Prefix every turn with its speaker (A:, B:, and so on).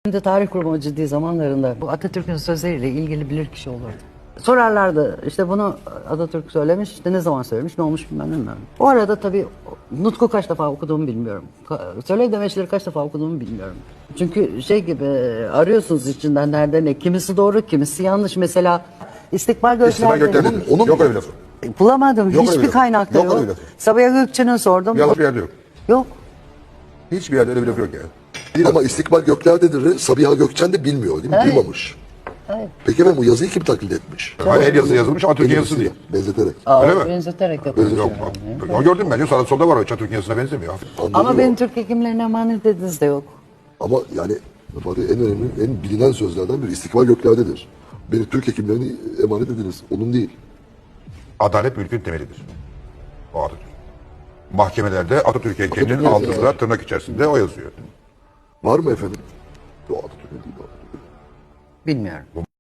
A: Şimdi tarih kurumu ciddi zamanlarında bu Atatürk'ün sözleriyle ilgili bilirkişi olurdu. Sorarlardı işte bunu Atatürk söylemiş, işte ne zaman söylemiş, ne olmuş bilmiyorum. O arada tabii Nutku kaç defa okuduğumu bilmiyorum. Söylev demeçleri kaç defa okuduğumu bilmiyorum. Çünkü şey gibi arıyorsunuz içinden nerede ne, kimisi doğru, kimisi yanlış. Mesela İstikbal
B: İstikbal
A: Gökler'de
B: Gökler'dedir. Yok öyle bir lafı.
A: bulamadım,
B: Yok öyle
A: hiçbir
B: bir laf.
A: kaynakta
B: Yok
A: yok.
B: öyle bir laf.
A: Sabiha Gökçen'e sordum.
B: Yalan bir yerde yok.
A: Yok.
B: Hiçbir yerde öyle bir laf yok yani.
C: Ama İstikbal Gökler'dedir. Sabiha Gökçen de bilmiyor değil mi?
A: Evet.
C: Duymamış.
A: Evet.
C: Peki efendim bu yazıyı kim taklit etmiş?
B: Hani el yazısı yazılmış ama Türkiye yazısı değil.
C: Benzeterek.
B: Öyle mi?
A: Benzeterek yapıyoruz.
B: Yok. Ya gördüm ben. Sağda solda var o Türk yazısına benzemiyor.
C: Anladım
A: Ama
C: o.
A: benim Türk hekimlerine emanet dediniz de yok.
C: Ama yani Fatih en önemli, en bilinen sözlerden biri İstikbal Gökler'dedir. Beni Türk hekimlerine emanet ediniz. Onun değil.
B: Adalet mülkün temelidir. O Atatürk. Mahkemelerde Atatürk heykelinin altında tırnak içerisinde o yazıyor.
C: Var mı efendim? O Atatürk'ün değil. O Atatürk'ün.
A: Bilmiyorum.